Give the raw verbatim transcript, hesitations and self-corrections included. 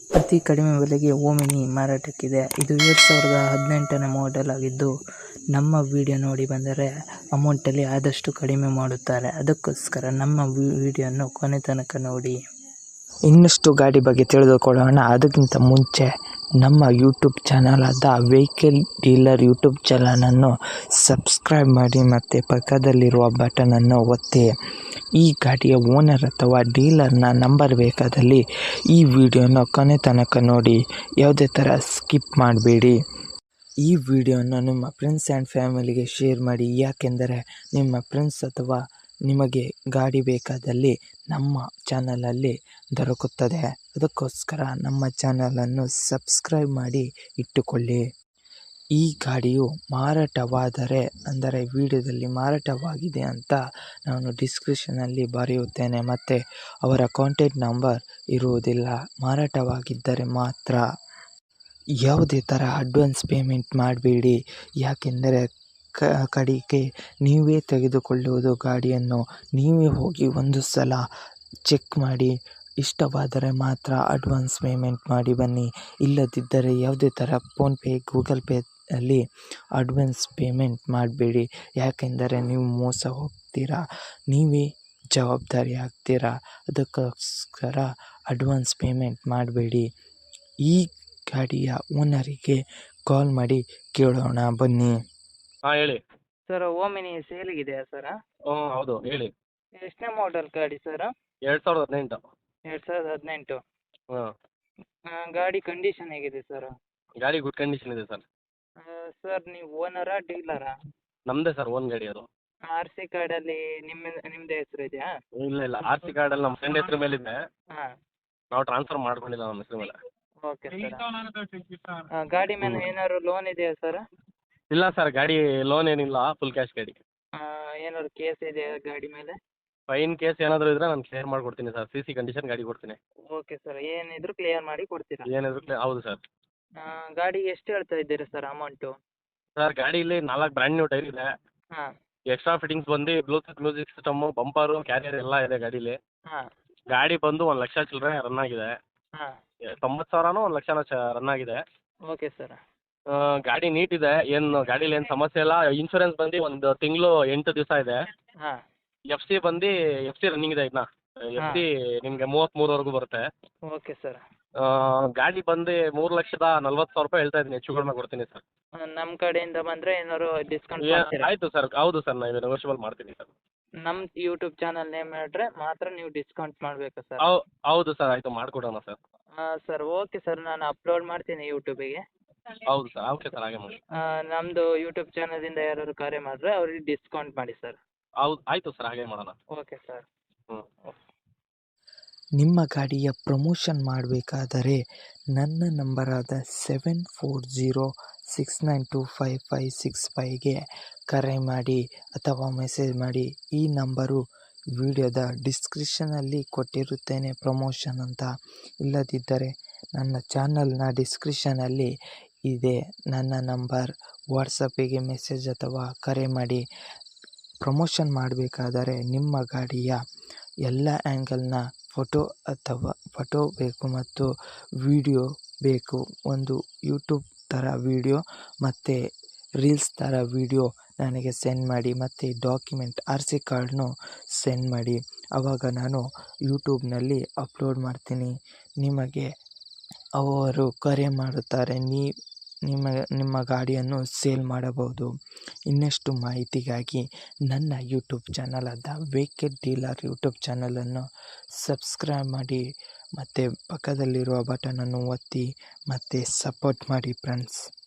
ಅತಿ ಕಡಿಮೆ ಬೆಲೆಗೆ ಓಮಿನಿ ಮಾರಾಟಕ್ಕಿದೆ. ಇದು ಎರಡು ಸಾವಿರದ ಹದಿನೆಂಟನೇ ಮಾಡೆಲ್ ಆಗಿದ್ದು, ನಮ್ಮ ವಿಡಿಯೋ ನೋಡಿ ಬಂದರೆ ಅಮೌಂಟಲ್ಲಿ ಆದಷ್ಟು ಕಡಿಮೆ ಮಾಡುತ್ತಾರೆ. ಅದಕ್ಕೋಸ್ಕರ ನಮ್ಮ ವಿಡಿಯೋನ ಕೊನೆ ತನಕ ನೋಡಿ. ಇನ್ನಷ್ಟು ಗಾಡಿ ಬಗ್ಗೆ ತಿಳಿದುಕೊಳ್ಳೋಣ. ಅದಕ್ಕಿಂತ ಮುಂಚೆ ನಮ್ಮ ಯೂಟ್ಯೂಬ್ ಚಾನಲ್ ಆದ ವೆಹಿಕಲ್ ಡೀಲರ್ ಯೂಟ್ಯೂಬ್ ಚಾನಲನ್ನು ಸಬ್ಸ್ಕ್ರೈಬ್ ಮಾಡಿ ಮತ್ತು ಪಕ್ಕದಲ್ಲಿರುವ ಬಟನನ್ನು ಒತ್ತಿ. ಈ ಗಾಡಿಯ ಓನರ್ ಅಥವಾ ಡೀಲರ್ನ ನಂಬರ್ ಬೇಕಾದಲ್ಲಿ ಈ ವಿಡಿಯೋನ ಕೊನೆ ತನಕ ನೋಡಿ, ಯಾವುದೇ ಥರ ಸ್ಕಿಪ್ ಮಾಡಬೇಡಿ. ಈ ವಿಡಿಯೋನ ನಿಮ್ಮ ಫ್ರೆಂಡ್ಸ್ ಆ್ಯಂಡ್ ಫ್ಯಾಮಿಲಿಗೆ ಶೇರ್ ಮಾಡಿ, ಯಾಕೆಂದರೆ ನಿಮ್ಮ ಫ್ರೆಂಡ್ಸ್ ಅಥವಾ ನಿಮಗೆ ಗಾಡಿ ಬೇಕಾದಲ್ಲಿ ನಮ್ಮ ಚಾನಲಲ್ಲಿ ದೊರಕುತ್ತದೆ. ಅದಕ್ಕೋಸ್ಕರ ನಮ್ಮ ಚಾನಲನ್ನು ಸಬ್ಸ್ಕ್ರೈಬ್ ಮಾಡಿ ಇಟ್ಟುಕೊಳ್ಳಿ. ಈ ಗಾಡಿಯು ಮಾರಾಟವಾದರೆ, ಅಂದರೆ ವಿಡಿಯೋದಲ್ಲಿ ಮಾರಾಟವಾಗಿದೆ ಅಂತ ನಾನು ಡಿಸ್ಕ್ರಿಪ್ಷನಲ್ಲಿ ಬರೆಯುತ್ತೇನೆ ಮತ್ತು ಅವರ ಕಾಂಟ್ಯಾಕ್ಟ್ ನಂಬರ್ ಇರುವುದಿಲ್ಲ. ಮಾರಾಟವಾಗಿದ್ದರೆ ಮಾತ್ರ. ಯಾವುದೇ ಥರ ಅಡ್ವಾನ್ಸ್ ಪೇಮೆಂಟ್ ಮಾಡಬೇಡಿ, ಯಾಕೆಂದರೆ ಕ ಕಡೆಗೆ ನೀವೇ ತೆಗೆದುಕೊಳ್ಳುವುದು ಗಾಡಿಯನ್ನು. ನೀವೇ ಹೋಗಿ ಒಂದು ಸಲ ಚೆಕ್ ಮಾಡಿ, ಇಷ್ಟವಾದರೆ ಮಾತ್ರ ಅಡ್ವಾನ್ಸ್ ಪೇಮೆಂಟ್ ಮಾಡಿ ಬನ್ನಿ. ಇಲ್ಲದಿದ್ದರೆ ಯಾವುದೇ ಥರ ಫೋನ್ಪೇ, ಗೂಗಲ್ ಪೇ ಅಲ್ಲಿ ಅಡ್ವಾನ್ಸ್ ಪೇಮೆಂಟ್ ಮಾಡಬೇಡಿ, ಯಾಕೆಂದರೆ ನೀವು ಮೋಸ ಹೋಗ್ತೀರಾ, ನೀವೇ ಜವಾಬ್ದಾರಿ ಆಗ್ತೀರಾ. ಅದಕ್ಕೋಸ್ಕರ ಅಡ್ವಾನ್ಸ್ ಪೇಮೆಂಟ್ ಮಾಡಬೇಡಿ. ಈ ಗಾಡಿಯ ಓನರಿಗೆ ಕಾಲ್ ಮಾಡಿ ಕೇಳೋಣ ಬನ್ನಿ. ಹಾಂ ಹೇಳಿ ಸರ್, ಓಮಿನಿ ಸೇಲಿಗಿದೆಯಾ ಸರ್? ಹ್ಞೂ ಹೌದು ಹೇಳಿ. ಎಷ್ಟನೇ ಮಾಡೆಲ್ ಗಾಡಿ ಸರ್? ಎರಡು ಸಾವಿರದ ಹದಿನೆಂಟು. ಎರಡು ಸಾವಿರದ ಹದಿನೆಂಟು. ಹಾಂ ಗಾಡಿ ಕಂಡೀಷನ್ ಹೇಗಿದೆ ಸರ್? ಗಾಡಿ ಗುಡ್ ಕಂಡೀಷನ್ ಇದೆ ಸರ್. ಸರ್, ನೀವು ಓನರಾ ಡೀಲರಾ? ನಮ್ಮದೇ ಸರ್, ಓನ್ ಗಾಡಿ ಅದು. ಆರ್ ಸಿ ಕಾರ್ಡಲ್ಲಿ ನಿಮ್ಮ ನಿಮ್ಮದೇ ಹೆಸರು ಇದೆಯಾ? ಇಲ್ಲ ಇಲ್ಲ, ಆರ್ ಸಿ ಕಾರ್ಡಲ್ಲಿ ನಮ್ಮ ಫ್ರೆಂಡ್ ಹೆಸರು ಮೇಲಿದೆ. ಹಾಂ, ನಾವು ಟ್ರಾನ್ಸ್ಫರ್ ಮಾಡ್ಕೊಂಡಿಲ್ಲ ನಮ್ಮ ಹೆಸರು ಮೇಲೆ. Okay sir. ಗಾಡಿ ಮೇಲೆ ಏನಾದ್ರು ಲೋನ್ ಇದೆಯಾ ಸರ್? ಇಲ್ಲ ಸರ್, ಗಾಡಿ ಲೋನ್ ಏನಿಲ್ಲ, ಫುಲ್ ಕ್ಯಾಶ್ ಗಾಡಿ. ಏನಾದ್ರು ಕೇಸ್ ಇದೆಯಾ ಗಾಡಿ ಮೇಲೆ? ಫೈನ್ ಕೇಸ್ ಏನಾದರೂ ಇದ್ರೆ ನಾನು ಕ್ಲಿಯರ್ ಮಾಡಿಕೊಡ್ತೀನಿ ಸರ್. ಸಿ ಸಿ ಕಂಡೀಷನ್ ಗಾಡಿ ಕೊಡ್ತೀನಿ. ಓಕೆ ಸರ್, ಏನಿದ್ರು ಕ್ಲಿಯರ್ ಮಾಡಿ ಕೊಡ್ತೀರಾ? ಏನಿದ್ರು ಕ್ಲಿಯರ್, ಹೌದು ಸರ್. ಗಾಡಿಗೆ ಎಷ್ಟು ಹೇಳ್ತಾ ಇದ್ದೀರಾ ಸರ್ ಅಮೌಂಟು? ಸರ್, ಗಾಡೀಲಿ ನಾಲ್ಕು ಬ್ರ್ಯಾಂಡ್ ನ್ಯೂ ಟೈರ್ ಇದೆ. ಹಾಂ ಎಕ್ಸ್ಟ್ರಾ ಫಿಟ್ಟಿಂಗ್ಸ್ ಬಂದು Bluetooth music system, bumper, carrier ಎಲ್ಲ ಇದೆ ಗಾಡೀಲಿ. ಹಾಂ ಗಾಡಿ ಬಂದು ಒಂದು ಲಕ್ಷ ಚಿಲ್ಲರೆ ರನ್ ಆಗಿದೆ. ಹಾಂ ತೊಂಬತ್ತು ಸಾವಿರನೂ ಒಂದು ಲಕ್ಷನ ಚ ರನ್ ಆಗಿದೆ. Okay sir. ಗಾಡಿ ನೀಟ್ ಇದೆ, ಏನು ಗಾಡೀಲಿ ಏನು ಸಮಸ್ಯೆ ಇಲ್ಲ. ಇನ್ಶೂರೆನ್ಸ್ ಬಂದು ಒಂದು ತಿಂಗಳು ಎಂಟು ದಿವಸ ಇದೆ. ಹಾಂ ಎಫ್ ಸಿ ಬಂದು ಎಫ್ ಸಿ ರನ್ನಿಂಗ್ ಇದೆ ಇನ್ನು. ಎಫ್ ಸಿ ನಿಮಗೆ ಮೂವತ್ತ್ಮೂರವರೆಗೂ ಬರುತ್ತೆ. Okay sir. ಗಾಡಿ ಬಂದು ಮೂರು ಲಕ್ಷದ ನಲ್ವತ್ತು ಸಾವಿರ ರೂಪಾಯಿ ಹೇಳ್ತಾ ಇದ್ದೀನಿ, ಹೆಚ್ಚು ಕಡಿಮೆ ಕೊಡ್ತೀನಿ ಸರ್. ನಮ್ಮ ಕಡೆಯಿಂದ ಬಂದರೆ ಏನಾದ್ರು ಡಿಸ್ಕೌಂಟ್ ಏ- ಮಾಡ್ತೀರಾ? ಆಯಿತು ಸರ್, ಹೌದು ಸರ್, ನಾನು ನೆಗೋಷಿಯಬಲ್ ಮಾಡ್ತೀನಿ ಸರ್. ನಮ್ಮ ಯೂಟ್ಯೂಬ್ ಚಾನಲ್ ನೇಮ್ ಹೇಳಿದ್ರೆ ಮಾತ್ರ ನೀವು ಡಿಸ್ಕೌಂಟ್ ಮಾಡಬೇಕಾ ಸರ್? ಹೌ ಹೌದು ಸರ್, ಆಯಿತು ಮಾಡಿಕೊಡೋಣ ಸರ್. ಹಾಂ ಸರ್, ಓಕೆ ಸರ್, ನಾನು ಅಪ್ಲೋಡ್ ಮಾಡ್ತೀನಿ ಯೂಟ್ಯೂಬಿಗೆ. ಹೌದು ಸರ್, ಓಕೆ ಸರ್, ಹಾಗೆ ಮಾಡಿ. ನಮ್ಮದು ಯೂಟ್ಯೂಬ್ ಚಾನಲಿಂದ ಯಾರಾದ್ರು ಕರೆ ಮಾಡಿದ್ರೆ ಅವ್ರಿಗೆ ಡಿಸ್ಕೌಂಟ್ ಮಾಡಿ ಸರ್. ಹೌದು, ಆಯಿತು ಸರ್, ಹಾಗೆ ಮಾಡೋಣ. Okay sir. ಹ್ಞೂ ನಿಮ್ಮ ಗಾಡಿಯ ಪ್ರಮೋಷನ್ ಮಾಡಬೇಕಾದರೆ ನನ್ನ ನಂಬರಾದ seven four zero six nine two five five six ಫೈವ್ಗೆ ಕರೆ ಮಾಡಿ ಅಥವಾ ಮೆಸೇಜ್ ಮಾಡಿ. ಈ ನಂಬರು ವಿಡಿಯೋದ ಡಿಸ್ಕ್ರಿಪ್ಷನಲ್ಲಿ ಕೊಟ್ಟಿರುತ್ತೇನೆ ಪ್ರಮೋಷನ್ ಅಂತ. ಇಲ್ಲದಿದ್ದರೆ ನನ್ನ ಚಾನಲ್ನ ಡಿಸ್ಕ್ರಿಪ್ಷನಲ್ಲಿ ಇದೆ ನನ್ನ ನಂಬರ್. ವಾಟ್ಸಪ್ಪಿಗೆ ಮೆಸೇಜ್ ಅಥವಾ ಕರೆ ಮಾಡಿ. ಪ್ರಮೋಷನ್ ಮಾಡಬೇಕಾದರೆ ನಿಮ್ಮ ಗಾಡಿಯ ಎಲ್ಲ ಆ್ಯಂಗಲ್ನ ಫೋಟೋ ಅಥವಾ ಫೋಟೋ ಬೇಕು ಮತ್ತು ವಿಡಿಯೋ ಬೇಕು. ಒಂದು ಯೂಟ್ಯೂಬ್ ಥರ ವಿಡಿಯೋ ಮತ್ತು ರೀಲ್ಸ್ ಥರ ವಿಡಿಯೋ ನನಗೆ ಸೆಂಡ್ ಮಾಡಿ ಮತ್ತು ಡಾಕ್ಯುಮೆಂಟ್ ಆರ್ ಸಿ ಕಾರ್ಡ್ನು ಸೆಂಡ್ ಮಾಡಿ. ಆವಾಗ ನಾನು ಯೂಟ್ಯೂಬ್ನಲ್ಲಿ ಅಪ್ಲೋಡ್ ಮಾಡ್ತೀನಿ. ನಿಮಗೆ ಅವರು ಕರೆ ಮಾಡುತ್ತಾರೆ, ನೀ ನಿಮ್ಮ ನಿಮ್ಮ ಗಾಡಿಯನ್ನು ಸೇಲ್ ಮಾಡಬಹುದು. ಇನ್ನಷ್ಟು ಮಾಹಿತಿಗಾಗಿ ನನ್ನ ಯೂಟ್ಯೂಬ್ ಚಾನಲ್ ಆದ ವೆಹಿಕಲ್ ಡೀಲರ್ ಯೂಟ್ಯೂಬ್ ಚಾನಲನ್ನು ಸಬ್ಸ್ಕ್ರೈಬ್ ಮಾಡಿ ಮತ್ತು ಪಕ್ಕದಲ್ಲಿರುವ ಬಟನನ್ನು ಒತ್ತಿ ಮತ್ತು ಸಪೋರ್ಟ್ ಮಾಡಿ ಫ್ರೆಂಡ್ಸ್.